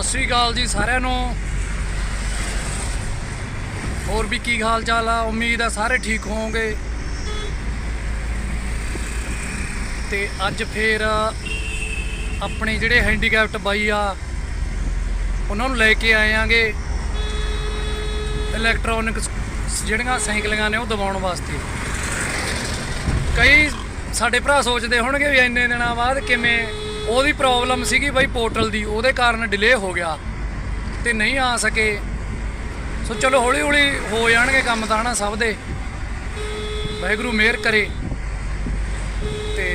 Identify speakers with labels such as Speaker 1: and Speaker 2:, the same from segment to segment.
Speaker 1: ਸਤਿ ਸ਼੍ਰੀ ਅਕਾਲ ਜੀ ਸਾਰਿਆਂ ਨੂੰ। ਹੋਰ ਵੀ ਕੀ ਹਾਲ ਚਾਲ ਆ? ਉਮੀਦ ਆ ਸਾਰੇ ਠੀਕ ਹੋਵੋਗੇ। ਤੇ ਅੱਜ ਫੇਰ ਆਪਣੇ ਜਿਹੜੇ ਹੈਂਡੀਕੈਪਟ ਬਾਈ ਆ ਉਹਨਾਂ ਨੂੰ ਲੈ ਕੇ ਆਏ ਆਂਗੇ ਇਲੈਕਟ੍ਰੋਨਿਕ ਜਿਹੜੀਆਂ ਸਾਈਕਲਾਂ ਨੇ ਉਹ ਦਬਾਉਣ ਵਾਸਤੇ। ਕਈ ਸਾਡੇ ਭਰਾ ਸੋਚਦੇ ਹੋਣਗੇ ਵੀ ਇੰਨੇ ਦਿਨਾਂ ਬਾਅਦ ਕਿਵੇਂ, ਉਹਦੀ ਪ੍ਰੋਬਲਮ ਸੀਗੀ ਬਾਈ ਪੋਰਟਲ ਦੀ, ਉਹਦੇ ਕਾਰਨ ਡਿਲੇ ਹੋ ਗਿਆ ਤੇ ਨਹੀਂ ਆ ਸਕੇ। ਸੋ ਚਲੋ ਹੌਲੀ ਹੌਲੀ ਹੋ ਜਾਣਗੇ ਕੰਮ ਤਾਂ ਹਨਾ ਸਭ ਦੇ, ਵਾਹਿਗੁਰੂ ਮਿਹਰ ਕਰੇ। ਤੇ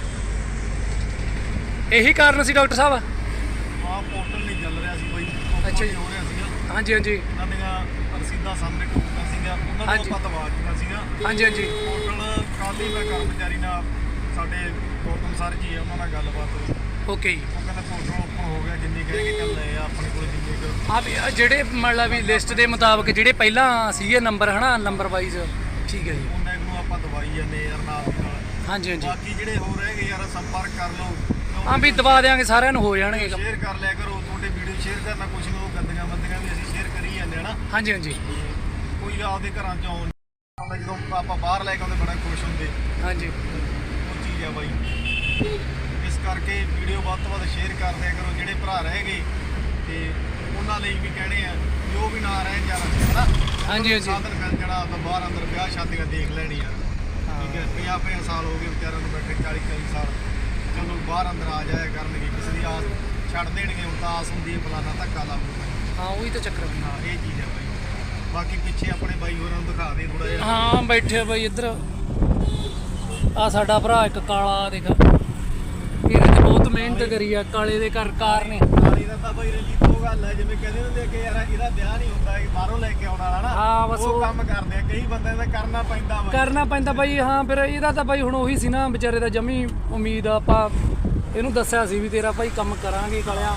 Speaker 1: ਇਹੀ ਕਾਰਨ ਸੀ ਡਾਕਟਰ ਸਾਹਿਬ?
Speaker 2: ਹਾਂ, ਪੋਰਟਲ ਨਹੀਂ ਚੱਲ ਰਿਹਾ ਸੀ ਬਾਈ।
Speaker 1: ਅੱਛਾ ਜੀ।
Speaker 2: ਹੋ ਰਿਹਾ ਸੀਗਾ।
Speaker 1: ਹਾਂਜੀ ਹਾਂਜੀ
Speaker 2: ਉਹਨਾਂ ਦੀਆਂ ਰਸੀਦਾਂ ਸਾਹਮਣੇ ਟੁੱਟਦਾ ਸੀਗਾ, ਉਹਨਾਂ ਨੂੰ ਆਪਾਂ ਦਬਾ ਦਿੱਤਾ ਸੀਗਾ।
Speaker 1: ਹਾਂਜੀ ਹਾਂਜੀ।
Speaker 2: ਪੋਰਟਲ ਕੱਲ੍ਹ ਹੀ ਮੈਂ ਕਰਮਚਾਰੀ ਨਾਲ, ਸਾਡੇ ਗੌਤਮ ਸਰ ਜੀ ਆ, ਉਹਨਾਂ ਨਾਲ ਗੱਲਬਾਤ ਹੋਈ।
Speaker 1: ਓਕੇ ਜੀ।
Speaker 2: ਉਹ ਕਹਿੰਦਾ ਪੋਰਟਲ ਓਪਨ ਹੋ ਗਿਆ, ਜਿੰਨੇ ਕਹੇਗੇ ਚੱਲ ਲਏ ਆ ਆਪਣੇ ਕੋਲ ਜਿੰਨੇ ਕੁ।
Speaker 1: ਆ ਵੀ ਜਿਹੜੇ ਮਤਲਬ ਵੀ ਲਿਸਟ ਦੇ ਮੁਤਾਬਕ ਜਿਹੜੇ ਪਹਿਲਾਂ ਸੀਗੇ ਨੰਬਰ ਹਨਾ, ਨੰਬਰ ਵਾਈਜ਼। ਠੀਕ ਹੈ ਜੀ।
Speaker 2: ਉਹਨਾਂ ਨੂੰ ਆਪਾਂ ਦਵਾਈ ਜਾਂਦੇ ਯਾਰ ਨਾਲ ਦੀ ਨਾਲ।
Speaker 1: ਹਾਂਜੀ ਹਾਂਜੀ।
Speaker 2: ਬਾਕੀ ਜਿਹੜੇ ਹੋ ਰਹੇ ਗਏ ਯਾਰ ਸੰਪਰਕ ਕਰ ਲਓ।
Speaker 1: ਹਾਂ ਵੀ ਦਬਾ ਦਿਆਂਗੇ, ਸਾਰਿਆਂ ਨੂੰ ਹੋ ਜਾਣਗੇ।
Speaker 2: ਸ਼ੇਅਰ ਕਰ ਲਿਆ ਕਰੋ, ਤੁਹਾਡੇ ਵੀਡੀਓ ਸ਼ੇਅਰ ਕਰਨਾ, ਕੁਛ ਨੂੰ ਗੰਦੀਆਂ ਬੰਦੀਆਂ ਵੀ ਅਸੀਂ ਸ਼ੇਅਰ ਕਰੀ ਜਾਂਦੇ ਹਨਾ।
Speaker 1: ਹਾਂਜੀ ਹਾਂਜੀ।
Speaker 2: ਕੋਈ ਆਪਦੇ ਘਰਾਂ ਚ ਆਉਣ ਜਦੋਂ ਆਪਾਂ ਬਾਹਰ ਲੈ ਕੇ ਆਉਂਦੇ ਬੜਾ ਖੁਸ਼ ਹੁੰਦੇ।
Speaker 1: ਹਾਂਜੀ।
Speaker 2: ਉਹ ਚੀਜ਼ ਆ ਬਾਈ, ਇਸ ਕਰਕੇ ਵੀਡੀਓ ਵੱਧ ਤੋਂ ਵੱਧ ਸ਼ੇਅਰ ਕਰ ਦਿਆ ਕਰੋ। ਜਿਹੜੇ ਭਰਾ ਰਹਿ ਗਏ ਤੇ ਉਹਨਾਂ ਲਈ ਵੀ ਕਹਿਣੇ ਆ ਵੀ ਉਹ ਵੀ ਨਾ ਰਹਿਣ ਯਾਰ ਹਨਾ।
Speaker 1: ਹਾਂਜੀ ਹਾਂਜੀ।
Speaker 2: ਸਾਧਨ ਮਿਲ ਜਾਣਾ ਤਾਂ ਬਾਹਰ ਅੰਦਰ ਵਿਆਹ ਸ਼ਾਦੀਆਂ ਦੇਖ ਲੈਣੀਆਂ। ਠੀਕ ਹੈ, 50 ਸਾਲ ਹੋ ਗਏ ਵਿਚਾਰਿਆਂ ਨੂੰ ਬੈਠੇ, 40 ਸਾਲ। ਚਲੋ ਬਾਹਰ ਅੰਦਰ ਆ ਜਾਇਆ ਕਰਨਗੇ, ਕਿਸੇ ਦੀ ਆਸ ਛੱਡ ਦੇਣਗੇ। ਹੁਣ ਤਾਂ ਆਸ ਹੁੰਦੀ ਹੈ ਫਲਾਣਾ ਧੱਕਾ ਲਾਊਗਾ।
Speaker 1: ਹਾਂ ਉਹੀ ਤਾਂ ਚੱਕਰ।
Speaker 2: ਹਾਂ ਇਹ ਚੀਜ਼ ਹੈ ਬਾਈ। ਬਾਕੀ ਪਿੱਛੇ ਆਪਣੇ ਬਾਈ ਹੋਰਾਂ ਨੂੰ ਦਿਖਾ ਦੇ ਥੋੜਾ ਜਿਹਾ।
Speaker 1: ਹਾਂ ਬੈਠੇ ਬਾਈ ਇੱਧਰ। ਆ ਸਾਡਾ ਭਰਾ ਇੱਕ ਕਾਲਾ ਦੇਖ, ਇਹਨੇ ਤੇ ਬਹੁਤ ਮਿਹਨਤ ਕਰੀ ਆ। ਕਾਲੇ ਦੇ ਘਰ ਕਾਰ ਨੇ।
Speaker 2: ਕਾਲੀ ਦਾ ਤਾਂ ਬਾਈ ਰਲੀ ਤੋਂ ਗੱਲ ਹੈ, ਜਿਵੇਂ ਕਹਿੰਦੇ ਹੁੰਦੇ ਕਿ ਯਾਰ ਇਹਦਾ ਵਿਆਹ ਨਹੀਂ ਹੁੰਦਾ, ਇਹ ਬਾਹਰੋਂ ਲੈ ਕੇ ਆਉਣ ਵਾਲਾ ਨਾ।
Speaker 1: ਹਾਂ ਬਸ
Speaker 2: ਉਹ ਕੰਮ ਕਰਦੇ ਆ ਕਈ ਬੰਦਿਆਂ ਦਾ, ਕਰਨਾ ਪੈਂਦਾ ਬਾਈ।
Speaker 1: ਕਰਨਾ ਪੈਂਦਾ ਬਾਈ। ਹਾਂ ਫਿਰ ਇਹਦਾ ਤਾਂ ਬਾਈ ਹੁਣ ਉਹੀ ਸੀ ਨਾ ਵਿਚਾਰੇ ਦਾ ਜਮੀ ਉਮੀਦ। ਆਪਾਂ ਇਹਨੂੰ ਦੱਸਿਆ ਸੀ ਵੀ ਤੇਰਾ ਭਾਈ ਕੰਮ ਕਰਾਂਗੇ ਕਾਲਿਆ।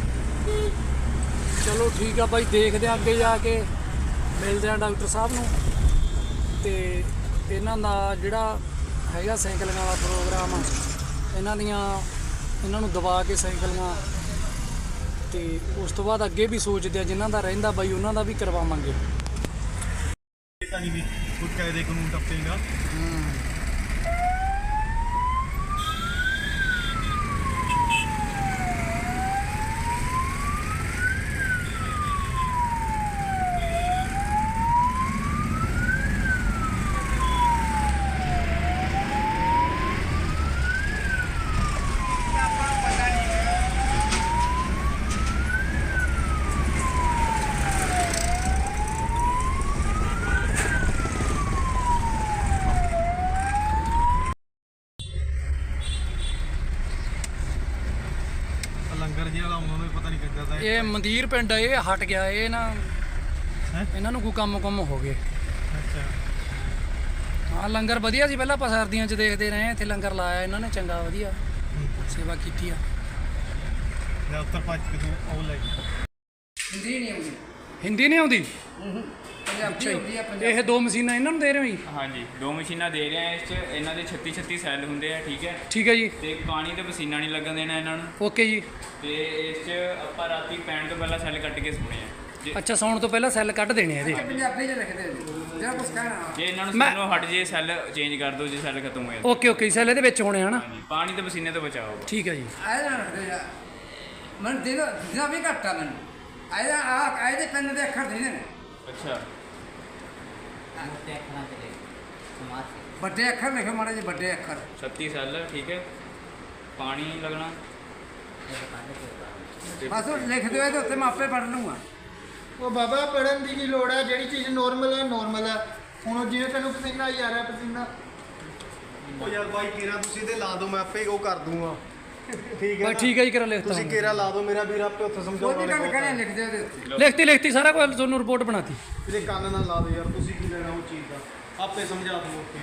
Speaker 1: ਚਲੋ ਠੀਕ ਆ ਬਾਈ, ਦੇਖਦੇ ਆ ਅੱਗੇ ਜਾ ਕੇ, ਮਿਲਦੇ ਆ ਡਾਕਟਰ ਸਾਹਿਬ ਨੂੰ। ਤੇ ਇਹਨਾਂ ਦਾ ਜਿਹੜਾ ਹੈਗਾ ਸਾਈਕਲਿੰਗ ਵਾਲਾ ਪ੍ਰੋਗਰਾਮ ਆ, ਇਹਨਾਂ ਨੂੰ ਦਬਾ ਕੇ ਸਾਈਕਲੀਆਂ, ਤੇ ਉਸ ਤੋਂ ਬਾਅਦ ਅੱਗੇ ਵੀ ਸੋਚਦੇ ਆ ਜਿਨ੍ਹਾਂ ਦਾ ਰਹਿੰਦਾ ਬਾਈ ਉਹਨਾਂ ਦਾ ਵੀ ਕਰਵਾਵਾਂਗੇ।
Speaker 2: ਤਾਂ ਨਹੀਂ ਵੀ ਕੋਈ ਕਾਇਦੇ ਕਾਨੂੰਨ ਟੱਪੇਗਾ। ਲੰਗਰ ਜੀ ਵਾਲਾ ਉਹਨਾਂ ਨੂੰ ਪਤਾ ਨਹੀਂ ਕਿੱਦਾਂ ਦਾ
Speaker 1: ਇਹ ਮੰਦਿਰ ਪਿੰਡ ਆ, ਇਹ ਹਟ ਗਿਆ। ਇਹ ਨਾ ਇਹਨਾਂ ਨੂੰ ਕੋਈ ਕੰਮ ਹੋ ਗਏ।
Speaker 2: ਅੱਛਾ।
Speaker 1: ਹਾਂ ਲੰਗਰ ਵਧੀਆ ਸੀ, ਪਹਿਲਾਂ ਆਪਾਂ ਸਰਦੀਆਂ 'ਚ ਦੇਖਦੇ ਰਹੇ। ਇੱਥੇ ਲੰਗਰ ਲਾਇਆ ਇਹਨਾਂ ਨੇ, ਚੰਗਾ ਵਧੀਆ ਸੇਵਾ ਕੀਤੀ ਆ।
Speaker 2: ਜਾਂ ਉੱਤਰ ਭੱਜ ਕੇ ਤੂੰ ਉਹ ਲੈ
Speaker 1: ਹਿੰਦੀ ਨਹੀਂ ਆਉਂਦੀ? ਹਿੰਦੀ ਨਹੀਂ ਆਉਂਦੀ? ਪੰਜਾਬੀ ਆਉਂਦੀ ਆ। ਇਹ ਦੋ ਮਸ਼ੀਨਾਂ ਇਹਨਾਂ ਨੂੰ ਦੇ ਰਹੇ ਹੋ ਜੀ?
Speaker 3: ਹਾਂਜੀ, ਦੋ ਮਸ਼ੀਨਾਂ ਦੇ ਰਹੇ ਆ। ਇਸ 'ਚ ਇਹਨਾਂ ਦੇ 36 ਸੈੱਲ ਹੁੰਦੇ ਆ। ਠੀਕ ਹੈ।
Speaker 1: ਠੀਕ ਹੈ ਜੀ।
Speaker 3: ਤੇ ਪਾਣੀ ਤੇ ਪਸੀਨਾ ਨਹੀਂ ਲੱਗਣ ਦੇਣਾ ਇਹਨਾਂ ਨੂੰ।
Speaker 1: ਓਕੇ ਜੀ।
Speaker 3: ਤੇ ਇਸ 'ਚ ਆਪਾਂ ਰਾਤੀ ਪੈਣ ਤੋਂ ਪਹਿਲਾਂ ਸੈੱਲ ਕੱਟ ਕੇ ਸੋਣੇ ਆ।
Speaker 1: ਅੱਛਾ, ਸੌਣ ਤੋਂ ਪਹਿਲਾਂ ਸੈੱਲ ਕੱਢ ਦੇਣੇ ਇਹਦੇ?
Speaker 4: ਪੰਜਾਬੀ 'ਚ ਲਿਖਦੇ ਨੇ ਜਿਹੜਾ ਕੁਛ ਕਹਿਣਾ।
Speaker 3: ਜੇ ਇਹਨਾਂ ਨੂੰ ਸਾਨੂੰ ਹਟ ਜੇ ਸੈੱਲ ਚੇਂਜ ਕਰ ਦਿਓ ਜੇ ਸੈੱਲ ਖਤਮ ਹੋਏ।
Speaker 1: ਓਕੇ ਓਕੇ, ਸੈੱਲ ਇਹਦੇ ਵਿੱਚ ਹੋਣੇ ਹਨਾ।
Speaker 3: ਹਾਂਜੀ, ਪਾਣੀ ਤੇ ਪਸੀਨੇ ਤੋਂ ਬਚਾਓ।
Speaker 1: ਠੀਕ ਹੈ ਜੀ।
Speaker 4: ਆਏ ਨਾ ਰੱਖਦੇ ਜਾ ਮਨ ਦਿਨਾਂ ਵੀ ਘੱਟ ਆ ਮੈਨੂੰ। ਆਇਦਾ ਆ ਇਹਦੇ ਪੈਨ ਦੇ ਅੱਖਰ ਦੇ ਨੇ।
Speaker 3: ਅੱਛਾ।
Speaker 4: ਵੱਡੇ ਅੱਖਰ ਲਿਖੋ ਮਾੜੇ ਜਿਹੇ, ਵੱਡੇ ਅੱਖਰ।
Speaker 3: 36 ਸੈੱਲ। ਠੀਕ ਹੈ। ਪਾਣੀ ਨਹੀਂ ਲੱਗਣਾ।
Speaker 4: ਬਸ ਉਹ ਲਿਖ ਦਿਓ ਇਹਦੇ ਉੱਤੇ, ਮੈਂ ਆਪੇ ਪੜ੍ਹ ਲੂੰਗਾ।
Speaker 5: ਉਹ ਬਾਬਾ ਪੜਨ ਦੀ ਕੀ ਲੋੜ ਹੈ? ਜਿਹੜੀ ਚੀਜ਼ ਨੋਰਮਲ ਹੈ ਨੋਰਮਲ ਹੈ। ਹੁਣ ਜਿਵੇਂ ਤੈਨੂੰ ਪਸੀਨਾ ਹੀ ਆ ਰਿਹਾ, ਪਸੀਨਾ।
Speaker 2: ਉਹ ਯਾਰ ਬਾਈ ਕੇਰਾ ਤੁਸੀਂ ਇਹਦੇ ਲਾ ਦਿਓ, ਮੈਂ ਆਪੇ ਉਹ ਕਰ ਦੂੰਗਾ। ਠੀਕ ਹੈ
Speaker 1: ਬਸ ਠੀਕ ਹੈ ਜੀ, ਕਰਾ ਲਿਖਤਾ।
Speaker 2: ਤੁਸੀਂ ਕੇਰਾ ਲਾ ਦਿਓ ਮੇਰਾ ਵੀਰ, ਆਪੇ ਉੱਥੇ
Speaker 4: ਕੋਈ
Speaker 2: ਸਮਝਾਉਣਾ
Speaker 4: ਵੀ ਗੱਲ
Speaker 2: ਨਹੀਂ।
Speaker 4: ਕਹਿਣੀ ਲਿਖ ਦਿਓ ਇਹਦੇ ਉੱਤੇ।
Speaker 1: ਲਿਖਤੀ ਸਾਰਾ ਕੁਝ ਤੁਹਾਨੂੰ ਰਿਪੋਰਟ ਬਣਾਤੀ।
Speaker 2: ਇਹਦੇ ਕੰਨ ਨਾਲ ਲਾ ਦਿਓ ਯਾਰ, ਤੁਸੀਂ ਕੀ ਲੈਣਾ ਉਹ ਚੀਜ਼ ਦਾ, ਆਪੇ ਸਮਝਾ ਦਿਓ। ਓਕੇ।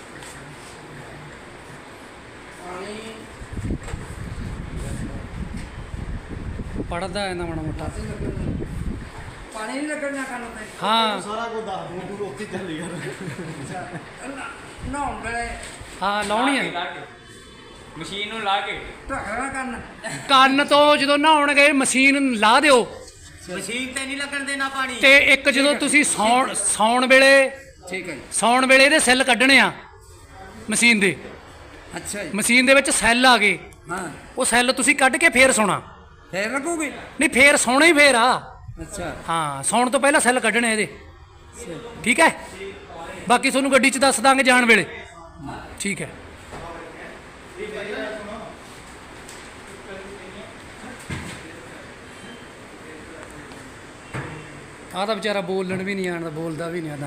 Speaker 1: ਪੜਦਾ ਇਹਨਾਂ ਮਾੜਾ ਮੋਟਾ।
Speaker 4: ਪਾਣੀ ਨਹੀਂ ਲੱਗਣਾ ਕੰਨ ਤੇ।
Speaker 1: ਹਾਂ
Speaker 2: ਸਾਰਾ ਕੁਝ ਦੱਸ ਦੂੰ, ਤੂੰ ਉੱਥੇ ਚੱਲ ਯਾਰ।
Speaker 4: ਨਹਾਉਣ ਵੇਲੇ
Speaker 1: ਹਾਂ ਲਾਉਣੀ ਹੈ।
Speaker 3: ਮਸ਼ੀਨ ਨੂੰ ਲਾ ਕੇ
Speaker 4: ਢੱਕਣਾ ਕਰਨਾ
Speaker 1: ਕੰਨ ਤੋਂ ਜਦੋਂ ਨਹਾਉਣ ਗਏ ਮਸ਼ੀਨ ਲਾ ਦਿਓ
Speaker 6: ਮਸ਼ੀਨ ਤੇ ਨਹੀਂ ਲੱਗਣ ਦੇਣਾ ਪਾਣੀ।
Speaker 1: ਤੇ ਇੱਕ ਜਦੋਂ ਤੁਸੀਂ ਸੌਣ ਵੇਲੇ
Speaker 4: ਠੀਕ ਹੈ ਜੀ।
Speaker 1: ਸੌਣ ਵੇਲੇ ਇਹਦੇ ਸੈੱਲ ਕੱਢਣੇ ਆ ਮਸ਼ੀਨ ਦੇ।
Speaker 4: ਅੱਛਾ ਜੀ।
Speaker 1: ਮਸ਼ੀਨ ਦੇ ਵਿੱਚ ਸੈੱਲ ਆ ਗਏ,
Speaker 4: ਹਾਂ
Speaker 1: ਉਹ ਸੈੱਲ ਤੁਸੀਂ ਕੱਢ ਕੇ ਫੇਰ ਸੌਣਾ।
Speaker 4: ਫੇਰ ਲੱਗੂਗੀ।
Speaker 1: ਨਹੀਂ ਫੇਰ ਸੌਣਾ ਹੀ ਫੇਰ ਆ।
Speaker 4: ਅੱਛਾ
Speaker 1: ਹਾਂ ਸੌਣ ਤੋਂ ਪਹਿਲਾਂ ਸੈੱਲ ਕੱਢਣੇ ਇਹਦੇ, ਠੀਕ ਹੈ। ਬਾਕੀ ਤੁਹਾਨੂੰ ਗੱਡੀ 'ਚ ਦੱਸ ਦਾਂਗੇ ਜਾਣ ਵੇਲੇ, ਠੀਕ ਹੈ। ਆਹ ਤਾਂ ਵਿਚਾਰਾ ਬੋਲਣ ਵੀ ਨਹੀਂ ਆਉਂਦਾ, ਬੋਲਦਾ ਵੀ ਨਹੀਂ ਆਉਂਦਾ।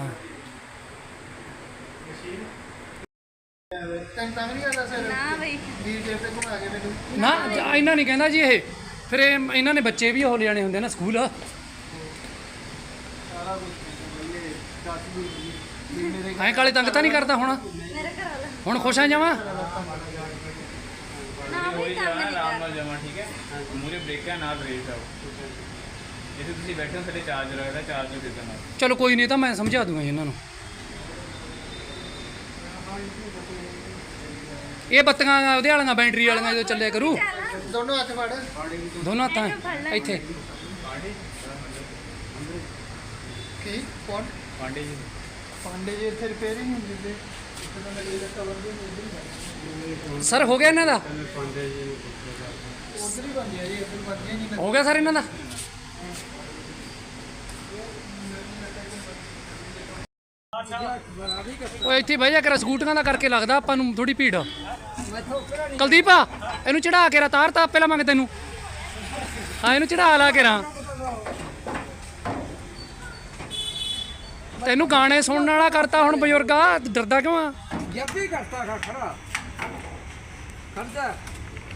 Speaker 5: ਤੈਨੂੰ ਤੰਗ ਨਹੀਂ ਕਰਦਾ ਸਰ?
Speaker 7: ਨਾ ਬਈ
Speaker 5: ਵੀਰ ਜੇ ਤੇ ਘੁਮਾ ਕੇ ਮੈਨੂੰ
Speaker 1: ਨਾ ਇਹਨਾਂ ਨਹੀਂ ਕਹਿੰਦਾ ਜੀ ਇਹ, ਫਿਰ ਇਹਨਾਂ ਨੇ ਬੱਚੇ ਵੀ ਹੋ ਲਿਆਣੇ ਹੁੰਦੇ ਨਾ ਸਕੂਲ।
Speaker 5: ਸਾਰਾ ਕੁਝ ਬਈਏ ਚਾਚੂ ਵੀ ਮੇਰੇ
Speaker 1: ਐਂ ਕਾਲੇ ਤੰਗ ਤਾਂ ਨਹੀਂ ਕਰਦਾ ਹੁਣ?
Speaker 7: ਮੇਰੇ ਘਰ ਵਾਲਾ
Speaker 1: ਹੁਣ ਖੁਸ਼ ਆ ਜਾਵਾਂ?
Speaker 7: ਨਾ ਬਈ
Speaker 3: ਹੌਲੀ
Speaker 7: ਕੰਮ
Speaker 3: ਜਾਣਾ,
Speaker 7: ਨਹੀਂ
Speaker 3: ਆਰਾਮ
Speaker 7: ਕਰ
Speaker 3: ਨਾਲ ਜਾਵਾਂ, ਠੀਕ ਹੈ। ਮੂਰੇ ਬ੍ਰੇਕ ਹੈ, ਨਾਲ ਰੇਸ ਆਓ। ਜਿੱਥੇ ਤੁਸੀਂ ਬੈਠੇ ਹੋ ਸਾਡੇ ਚਾਰਜ ਲੱਗਦਾ, ਚਾਰਜ ਦੇ ਦੇਣਾ।
Speaker 1: ਚਲੋ ਕੋਈ ਨਹੀਂ, ਤਾਂ ਮੈਂ ਸਮਝਾ ਦੂੰਗਾ ਜੀ ਇਹਨਾਂ ਨੂੰ। ਇਹ ਬੱਤੀਆਂ ਉਹਦੇ ਵਾਲੀਆਂ ਬੈਟਰੀ ਵਾਲੀਆਂ ਜਦੋਂ ਚੱਲਿਆ ਕਰੂ,
Speaker 5: ਦੋਨੋਂ ਹੱਥ ਫੜ।
Speaker 1: ਦੋਨੋਂ ਹੱਥਾਂ ਇੱਥੇ।
Speaker 5: ਕੀ ਕੌਣ?
Speaker 3: ਪਾਂਡੇ ਜੀ
Speaker 5: ਪਾਂਡੇ ਜੀ ਇੱਥੇ ਰਿਪੇਅਰ ਹੀ ਨਹੀਂ ਹੁੰਦੀ ਤੇ ਇੱਥੇ ਤਾਂ ਮੇਰੇ ਦਾ ਕਵਰ ਵੀ ਨਹੀਂ
Speaker 1: ਸਰ ਹੋ ਗਿਆ ਇਹਨਾਂ ਦਾ?
Speaker 5: ਉਧਰ ਹੀ ਬੰਦੇ ਆ ਜੀ, ਇੱਧਰ ਬੰਦੇ ਨਹੀਂ
Speaker 1: ਹੋ ਗਿਆ ਸਰ ਇਹਨਾਂ ਦਾ? ਉਹ ਇੱਥੇ ਬਹਿ ਜਾ ਕਰ, ਸਕੂਟਰਾਂ ਦਾ ਕਰਕੇ ਲੱਗਦਾ ਆਪਾਂ ਨੂੰ ਥੋੜੀ ਭੀੜ। ਕੁਲਦੀਪ ਇਹਨੂੰ ਚੜਾ ਕੇ ਰਾ, ਤਾਰ ਤਾਂ ਆਪੇ ਲਵਾਂਗੇ ਤੈਨੂੰ। ਹਾਂ ਇਹਨੂੰ ਚੜਾ ਲਾ ਕੇ ਰਾ। ਤੈਨੂੰ ਗਾਣੇ ਸੁਣਨ ਵਾਲਾ ਕਰਤਾ ਹੁਣ ਬਜ਼ੁਰਗਾ, ਡਰਦਾ ਕਿਉਂ ਆ?
Speaker 4: ਜੱਬੀ ਕਰਤਾ ਖੜਾ ਖਰਚਾ